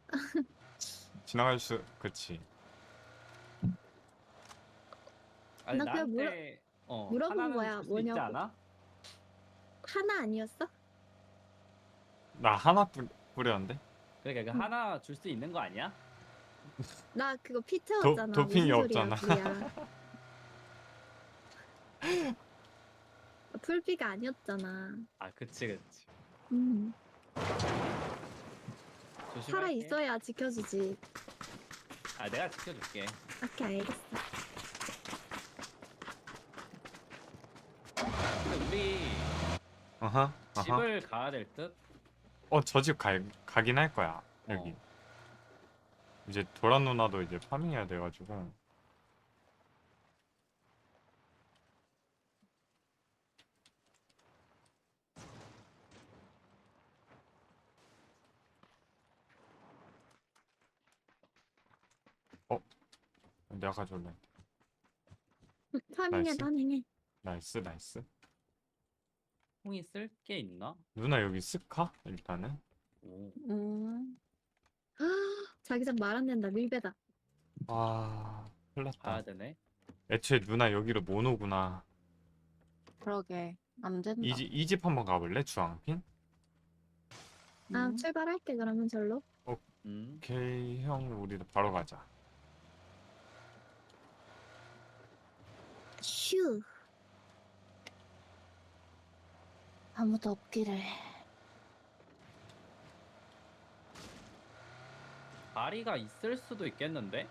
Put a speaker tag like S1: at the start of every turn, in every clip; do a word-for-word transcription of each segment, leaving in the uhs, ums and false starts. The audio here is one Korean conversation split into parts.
S1: 지나갈 수, 그치.
S2: 아니
S3: 나 그냥 물어
S2: 나한테 어
S3: 물어본
S2: 하나는
S3: 거야.
S2: 줄 수 있지
S3: 뭐냐고.
S2: 않아?
S3: 하나 아니었어?
S1: 나 하나 뿌, 뿌렸는데?
S2: 그러니까 그
S3: 응.
S2: 하나 줄 수 있는 거 아니야?
S3: 나 그거 피
S1: 도,
S3: 채웠잖아.
S1: 도핑이
S3: 무슨 소리야,
S1: 없잖아.
S3: 구리야. 풀피가 아니었잖아.
S2: 아 그치 그치.
S3: 음. 살아
S2: 조심할게.
S3: 있어야 지켜주지.
S2: 아 내가 지켜줄게.
S3: 오케이, 알겠어.
S2: 근데 우리
S1: 어허, 어허.
S2: 집을 가야 될 듯?
S1: 어, 저 집 가, 가긴 할 거야, 여기.
S2: 어.
S1: 이제 도란 누나도 이제 파밍해야 돼가지고. 어, 내가 가져올래.
S3: 파밍해,
S1: 나이스,
S3: 파밍해.
S1: 나이스, 나이스.
S2: 홍이 쓸 게 있나?
S1: 누나 여기 스카? 일단은.
S2: 오.
S3: 음. 자기장 말 안 된다. 밀배다.
S1: 아, 큰일 났다.
S2: 가야 되네.
S1: 애초에 누나 여기로 못 오구나.
S4: 그러게 안
S1: 이
S4: 된다.
S1: 집, 이 집 한번 가볼래? 주황핀?
S3: 아,
S4: 음.
S3: 출발할게, 그러면 절로.
S2: 음.
S1: 오케이, 형, 우리 바로 가자.
S3: 휴.
S4: 아무도 없기를.
S2: 다리가 있을 수도 있겠는데?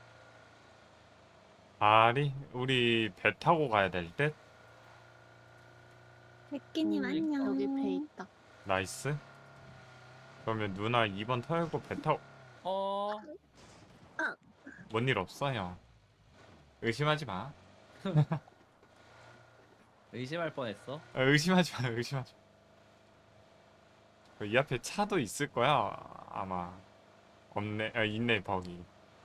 S1: 아리, 우리 배 타고 가야 될 듯?
S3: 백기님,
S2: 음,
S3: 안녕.
S4: 여기 배 있다.
S1: 나이스. 그러면 누나 이 번 털고 배 타고,
S2: 어.
S1: 뭔 일 없어, 형. 의심하지 마.
S2: 의심할 뻔했어.
S1: 아, 의심하지 마, 의심하지 마. 이 앞에 차도 있을 거야, 아마. 없네, 아, 있네, 버기.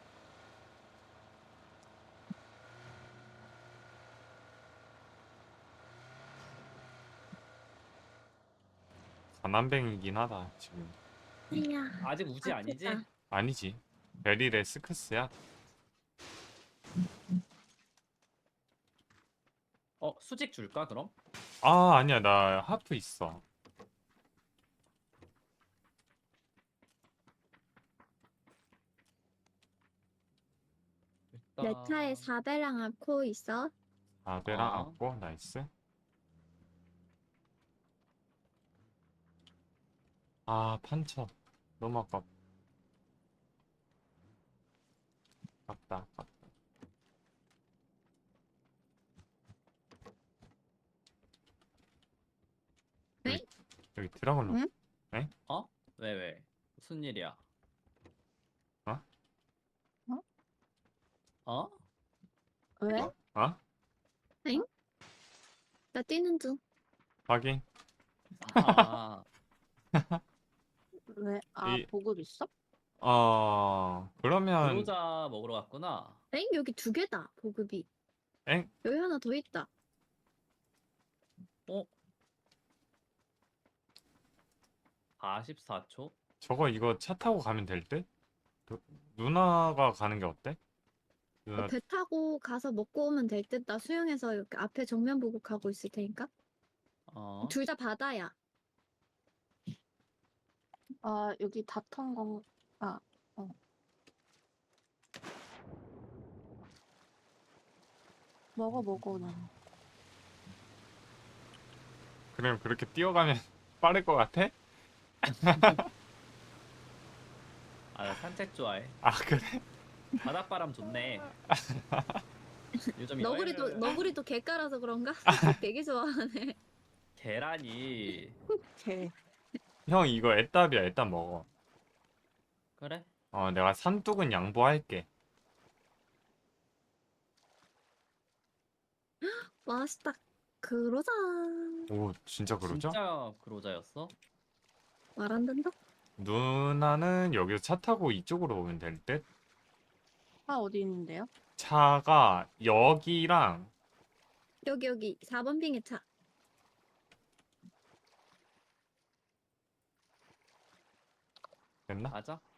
S1: 가난뱅이긴 하다, 지금.
S3: 이야,
S2: 아직 우지 아니지?
S3: 아프다.
S1: 아니지. 베릴의 스크스야.
S2: 어 수직 줄까 그럼?
S1: 아, 아니야, 나 하프 있어.
S3: 내
S2: 일단
S3: 차에 사배랑 아코 있어?
S1: 아베랑
S2: 어.
S1: 아고, 나이스. 아, 판처. 너무 아깝, 아깝다, 아깝다. 여기,
S3: 응?
S1: 여기 드라곤 로,
S4: 응?
S1: 에?
S2: 어? 왜 왜? 무슨 일이야?
S1: 어?
S2: 어?
S4: 왜?
S1: 어? 어?
S3: 응? 나 뛰는 중.
S1: 확인.
S2: 아
S4: 왜? 아
S1: 이,
S4: 보급 있어?
S1: 어, 그러면,
S2: 그로자 먹으러 갔구나.
S3: 엥? 여기 두 개다, 보급이.
S1: 엥?
S3: 여기 하나 더 있다.
S2: 어? 사십사 초?
S1: 저거 이거 차 타고 가면 될 듯? 누, 누나가 가는 게 어때?
S3: 어,
S1: 누나,
S3: 배 타고 가서 먹고 오면 될 듯. 나 수영해서 이렇게 앞에 정면 보고 가고 있을 테니까.
S2: 어?
S3: 둘 다 바다야.
S4: 아 여기 다 탄 건. 아 어. 먹어 먹어 난.
S1: 그럼 그렇게 뛰어가면 빠를 것 같아?
S2: 아 나 산책 좋아해.
S1: 아, 그래?
S2: 바닷바람 좋네. 요즘
S3: 너구리도
S2: 여행을
S3: 너구리도 개 깔아서 그런가? 산책 되게 좋아하네.
S2: 계란이
S4: 개.
S1: 형, 이거 애답이야. 애답 먹어.
S2: 그래?
S1: 어, 내가 산뚝은 양보할게.
S3: 맛있다. 그러자.
S1: 오, 진짜 그러죠?
S2: 진짜 그로자였어?
S3: 말 안 된다.
S1: 누나는 여기서 차 타고 이쪽으로 오면 될 듯?
S4: 차 어디 있는데요?
S1: 차가 여기랑
S3: 여기 여기 사 번 빙의 차.
S1: 됐나?
S2: 맞아?